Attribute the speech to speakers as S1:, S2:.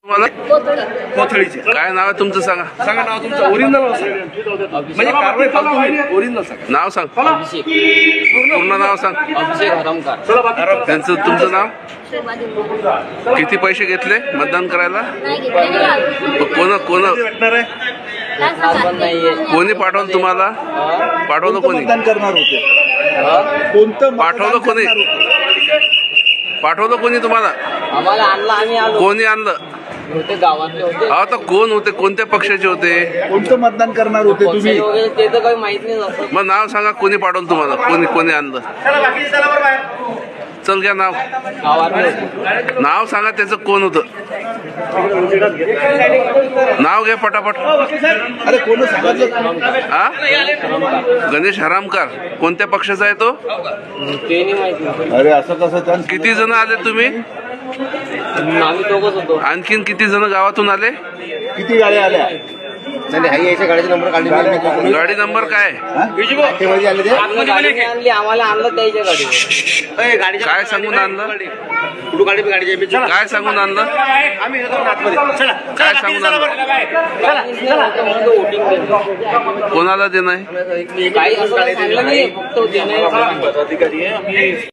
S1: तुम्हाला कोथळीचे काय नाव आहे तुमचं सांगा. सांगा नाव तुमचं ओरिजिनल म्हणजे कारवाई फालतू नाही ओरिजिनल सांगा. नाव सांग. पूर्ण नाव सांग. त्यांचं तुमचं नाव. किती पैसे घेतले मतदान करायला. कोणी पाठवलं तुम्हाला. पाठवलं कोणी.
S2: मतदान करणार होते. कोणतं
S1: पाठवलं कोणी. पाठवलं कोणी तुम्हाला.
S3: आम्हाला आणलं आम्ही आलो.
S1: कोणी आणलं.
S3: होते गावातले होते.
S1: आता कोण होते. कोणत्या पक्षाचे होते.
S2: कोणतं मतदान करणार होते तुम्ही.
S3: वगैरे ते तर काही माहित नाही असं.
S1: मग नाव सांगा. कोणी पाठवलं तुम्हाला. कोणी कोणी आणलं. चल घ्या नाव.
S3: गावातले होते.
S1: नाव सांगा त्याचं कोण होतं. नाव घ्या पटापट.
S2: अरे कोण सांगितलं.
S1: हा गणेश हरामकर. कोणत्या पक्षाचा आहे तो.
S3: ते नाही माहिती.
S2: अरे असं कसं.
S1: किती जण आले तुम्ही.
S3: आम्ही दोघच होतो.
S1: आणखीन किती जण गावातून आले.
S2: किती गाड्या आल्या.
S3: गाडीचे नंबर काढले.
S1: गाडी नंबर काय.
S3: आणली आम्हाला आणलं त्याच्या गाडी.
S1: काय सांगून आणलं. काय सांगून आणलं. काय सांगून आणलं. कोणाला देणं आहे.
S3: काही असं सांगलं नाही फक्त देणं.